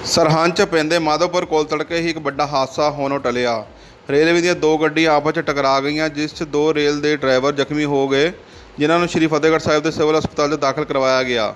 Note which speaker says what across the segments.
Speaker 1: ਸਰਹੰਦ 'ਚ ਪੈਂਦੇ ਮਾਧੋਪੁਰ ਕੋਲ ਤੜਕੇ ਹੀ ਇੱਕ ਵੱਡਾ ਹਾਦਸਾ ਹੋਣੋਂ ਟਲਿਆ। ਰੇਲਵੇ ਦੀਆਂ ਦੋ ਗੱਡੀਆਂ ਆਪਸ 'ਚ ਟਕਰਾ ਗਈਆਂ, ਜਿਸ 'ਚ ਦੋ ਰੇਲ ਦੇ ਡਰਾਈਵਰ ਜ਼ਖਮੀ ਹੋ ਗਏ, ਜਿਨ੍ਹਾਂ ਨੂੰ ਸ਼੍ਰੀ ਫਤਿਹਗੜ੍ਹ ਸਾਹਿਬ ਦੇ ਸਿਵਲ ਹਸਪਤਾਲ 'ਚ ਦਾਖਲ ਕਰਵਾਇਆ ਗਿਆ।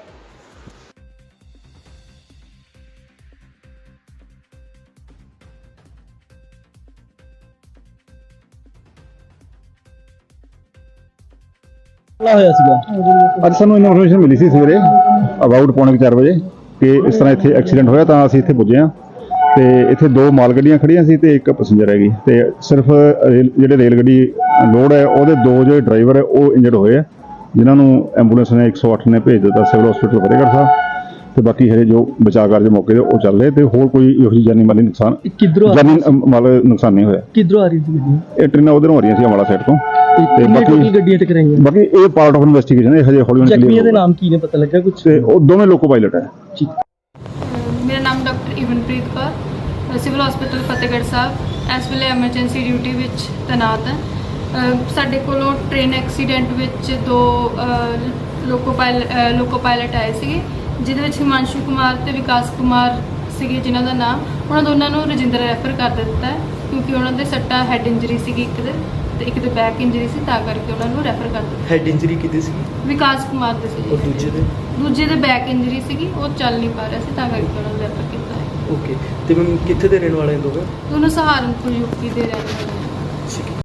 Speaker 2: ਹੋਇਆ ਸੀਗਾ
Speaker 3: ਅੱਜ ਸਾਨੂੰ ਇਨਫੋਰਮੇਸ਼ਨ ਮਿਲੀ ਸੀ ਸਵੇਰੇ ਅਬਾਊਟ ਪੌਣੇ 4 ਵਜੇ ਕਿ ਇਸ ਤਰ੍ਹਾਂ ਇੱਥੇ ਐਕਸੀਡੈਂਟ ਹੋਇਆ, ਤਾਂ ਅਸੀਂ ਇੱਥੇ ਪੁੱਜੇ ਹਾਂ ਤੇ ਇੱਥੇ ਦੋ ਮਾਲ ਗੱਡੀਆਂ ਖੜੀਆਂ ਸੀ ਤੇ ਇੱਕ ਪੈਸੇਂਜਰ ਹੈਗੀ ਤੇ ਸਿਰਫ ਜਿਹੜੇ ਰੇਲ ਗੱਡੀ ਲੋਡ ਹੈ ਉਹਦੇ ਦੋ ਜਿਹੜੇ ਡਰਾਈਵਰ ਹੈ ਉਹ ਇੰਜਰਡ ਹੋਏ ਆ, ਜਿਨ੍ਹਾਂ ਨੂੰ ਐਂਬੂਲੈਂਸ ਨੇ 108 ਨੇ ਭੇਜ ਦਿੱਤਾ ਸਿਵਲ ਹਸਪੀਟਲ ਫਤਿਹਗੜ੍ਹ ਸਾਹਿਬ ਤੇ ਬਾਕੀ ਹਰੇ ਜੋ ਬਚਾਅ ਕਾਰਜ ਮੌਕੇ ਤੇ ਉਹ ਚੱਲ ਰਹੇ ਤੇ ਹੋਰ ਕੋਈ ਇਹੋ ਜਿਹੀ ਜਾਨੀ ਮਾਲੀ ਨੁਕਸਾਨ ਮਾਲ ਨੁਕਸਾਨ ਨਹੀਂ ਹੋਇਆ।
Speaker 2: ਕਿੱਧਰੋਂ ਆ ਰਹੀ ਸੀ ਗੱਡੀ?
Speaker 3: ਇਹ ਟ੍ਰੇਨਾਂ ਉਧਰੋਂ ਆ ਰਹੀਆਂ ਸੀ ਅੰਬਾਲਾ ਸਾਈਡ ਤੋਂ ਤੇ
Speaker 2: ਬਾਕੀ ਗੱਡੀਆਂ ਟਕਰਾਈਆਂ।
Speaker 3: ਬਾਕੀ ਇਹ ਪਾਰਟ ਆਫ ਇਨਵੈਸਟੀਗੇਸ਼ਨ ਹੈ, ਹਜੇ ਹੌਲੀ
Speaker 2: ਜ਼ਖਮੀਆਂ ਦੇ ਨਾਮ ਕੀ ਨੇ, ਪਤਾ ਲੱਗਾ ਕੁਝ?
Speaker 3: ਤੇ ਉਹ ਦੋਵੇਂ ਲੋਕੋ ਪਾਇਲਟ ਹੈ।
Speaker 4: ਮੇਰਾ ਨਾਮ doctor Ivanpreet Kaur, civil hospital Fatehgarh Sahib ਇਸ ਵੇਲੇ ਐਮਰਜੈਂਸੀ ਡਿਊਟੀ ਵਿੱਚ ਤੈਨਾਤ ਹੈ। ਸਾਡੇ ਕੋਲੋਂ ਟ੍ਰੇਨ ਐਕਸੀਡੈਂਟ ਵਿੱਚ ਦੋ ਲੋਕੋ ਪਾਇਲਟ ਆਏ ਸੀਗੇ, ਜਿਹਦੇ ਵਿੱਚ ਹਿਮਾਂਸ਼ੂ ਕੁਮਾਰ ਤੇ ਵਿਕਾਸ ਕੁਮਾਰ ਸੀਗੇ, ਜਿਨ੍ਹਾਂ ਦਾ ਨਾਮ ਉਹਨਾਂ ਦੋਨਾਂ ਨੂੰ ਰਜਿੰਦਰ ਰੈਫਰ ਕਰ ਦਿੱਤਾ ਹੈ ਕਿਉਂਕਿ ਉਹਨਾਂ ਦੇ ਸੱਟਾ ਹੈਡ ਇੰਜਰੀ ਸੀਗੀ ਇੱਕ ਦੇ ਤੇ ਇੱਕ ਦੇ ਬੈਕ ਇੰਜਰੀ ਸੀ, ਤਾਂ ਕਰਕੇ ਉਹਨਾਂ ਨੂੰ ਰੈਫਰ ਕਰ ਦਿੱਤਾ।
Speaker 2: ਹੈਡ ਇੰਜਰੀ ਕਿਤੇ ਸੀ?
Speaker 4: ਵਿਕਾਸ ਕੁਮਾਰ ਦੇ ਸੀ।
Speaker 2: ਔਰ ਦੂਜੇ ਦੇ
Speaker 4: ਬੈਕ ਇੰਜਰੀ ਸੀਗੀ, ਉਹ ਚੱਲ ਨਹੀਂ ਪਾ ਰਿਹਾ ਸੀ, ਤਾਂ ਕਰਕੇ ਉਹਨਾਂ ਨੂੰ ਰੈਫਰ ਕੀਤਾ ਹੈ।
Speaker 2: ਓਕੇ, ਤੇ ਮੈਮ ਕਿੱਥੇ ਦੇ ਰਹਿਣ ਵਾਲੇ ਦੋਵੇਂ?
Speaker 4: ਦੋਨੋਂ ਸਹਾਰਨਪੁਰ ਯੂਪੀ ਦੇ ਰਹਿਣ ਵਾਲੇ ਨੇ।